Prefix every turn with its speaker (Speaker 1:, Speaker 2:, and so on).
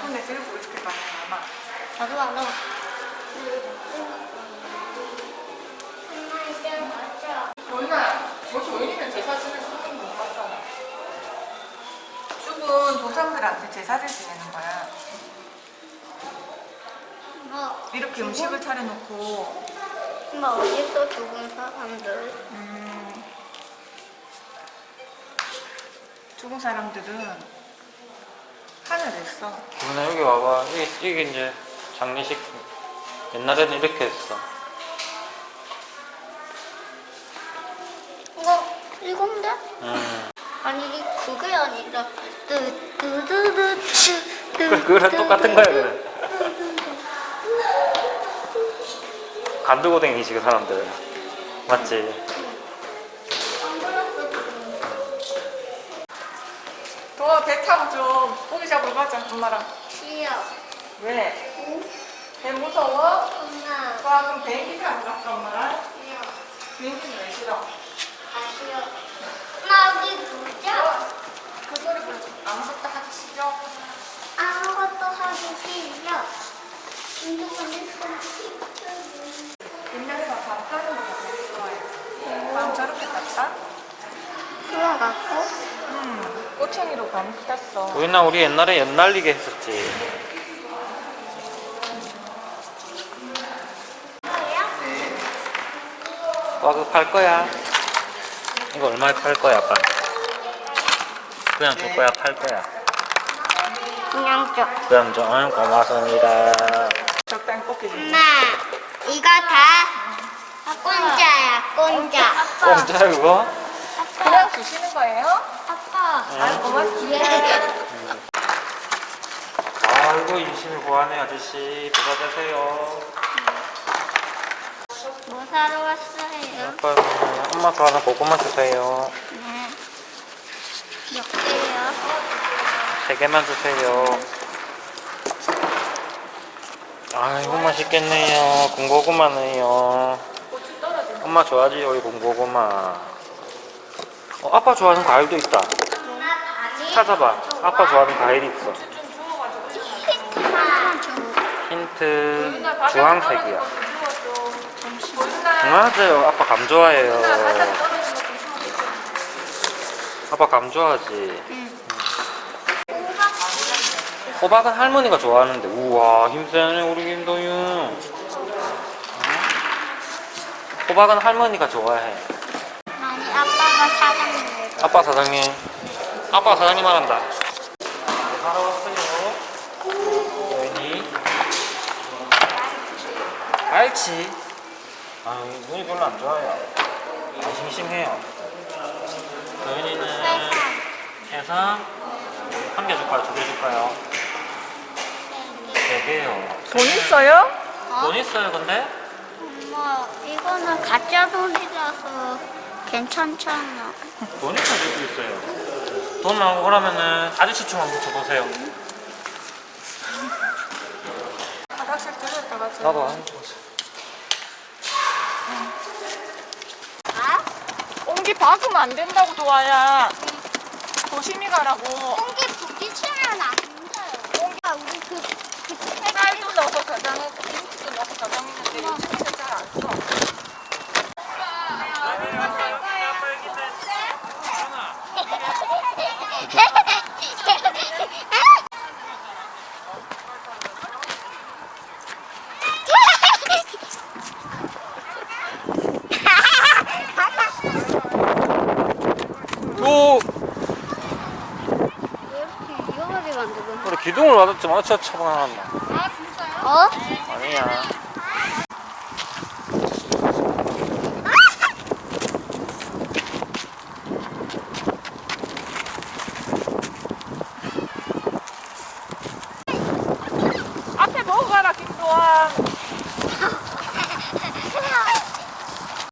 Speaker 1: 손에 들고 이렇게 가는 아마.
Speaker 2: 나도 알아. 엄마 이제 맞죠?
Speaker 1: 조인아, 뭐 조인이는 제사 지내는 손님 못 봤잖아. 죽은 조상들한테 제사를 지내는 거야. 이렇게 음식을 차려놓고.
Speaker 2: 엄마 어딨어 죽은 사람들?
Speaker 1: 죽은 사람들은 하늘에 있어.
Speaker 3: 누나 여기 와봐. 이게 이제 장례식. 옛날에는 이렇게 했어.
Speaker 2: 이건데? 아니 그게 아니라
Speaker 3: 그거랑 똑같은 거야 그래. 간 들고 댕기지 그 사람들. 맞지?
Speaker 1: 도아 배 타고 좀 고기 잡으러 가자 엄마랑.
Speaker 2: 싫어.
Speaker 1: 왜?
Speaker 2: 응?
Speaker 1: 배 무서워?
Speaker 2: 엄마.
Speaker 1: 도아 그럼 비행기 타고 갈까 엄마랑?
Speaker 2: 싫어.
Speaker 1: 비행기는 왜 싫어?
Speaker 2: 아 싫어. 엄마 우리 놀자.
Speaker 1: 그 소리 그러지 아무것도 하기 싫어?
Speaker 2: 아무것도 하기 싫어. 운동하는
Speaker 1: 옛날에 밤 타는 거 되게 좋아해. 밤 저렇게 탔다?
Speaker 2: 그래갖고
Speaker 1: 꼬챙이로 밤 탔어.
Speaker 3: 우리나 우리 옛날에 연날리게 했었지. 와 그거 팔 거야? 이거 얼마에 팔 거야 아빠? 그냥 줄 거야 팔 거야?
Speaker 2: 그냥 줘.
Speaker 3: 그냥 좀 고맙습니다.
Speaker 1: 적당히 꺾이지.
Speaker 2: 엄마 이거 다 공짜야 공짜.
Speaker 3: 공짜야 그거?
Speaker 1: 그냥 주시는 거예요?
Speaker 2: 아빠.
Speaker 1: 아 고맙습니다.
Speaker 3: 아이고 인심이 고하네 아저씨. 부자 되세요.
Speaker 2: 뭐 사러 왔어요?
Speaker 3: 아빠 엄마 좋아하는 고구마 주세요.
Speaker 2: 네. 몇 개요?
Speaker 3: 3개만 주세요. 아이고 맛있겠네요. 군고구마네요.
Speaker 1: 고추 떨어지네.
Speaker 3: 엄마 좋아하지 여기 군고구마. 아빠 좋아하는 과일도 있다.
Speaker 2: 엄마 밥이
Speaker 3: 찾아봐. 아빠 좋아하는 과일이 있어.
Speaker 1: 좀 주워가지고.
Speaker 2: 힌트만 줘.
Speaker 3: 힌트
Speaker 1: 조인아, 바닥에
Speaker 3: 주황색이야.
Speaker 1: 떨어진 것좀 주워줘. 조인아,
Speaker 3: 맞아요. 아빠 감 좋아해요.
Speaker 1: 조인아, 바닥에 떨어진 것좀 주워줘.
Speaker 3: 아빠 감 좋아하지.
Speaker 2: 응.
Speaker 3: 호박은 할머니가 좋아하는데. 우와 힘세네 우리 김도윤. 호박은 할머니가 좋아해.
Speaker 2: 아니 아빠가 사장님.
Speaker 3: 아빠 사장님. 아빠 사장님 말한다. 사러 왔어요. 도윤이. 알지. 아 눈이 별로 안 좋아요. 아, 싱싱해요. 도윤이는 해서 1개 줄까요? 2개 줄까요? 4개요.
Speaker 1: 돈 있어요?
Speaker 3: 돈 있어요 근데?
Speaker 2: 엄마 이거는 가짜 돈이라서 괜찮잖아.
Speaker 3: 돈 있어야 될수 있어요. 돈 나오고 그러면은 아저씨 춤 한번 춰보세요.
Speaker 1: 화장실 들렸다가
Speaker 3: 나도 안 춰보세요.
Speaker 2: 아?
Speaker 1: 옹기 박으면 안 된다고 도와야. 조심히 가라고.
Speaker 2: 공기 부딪히면 안 돼요. 아, 우리 그
Speaker 1: 쌀도 넣어서 가장하고 김치도 넣어서 가장했는데 요즘에는 잘 안 써.
Speaker 3: 오!
Speaker 2: 왜 이렇게 위험하게 만들고?
Speaker 3: 우리 기둥을 맞았지만 어쩌 처방나왔나?
Speaker 2: 어?
Speaker 3: 아니야.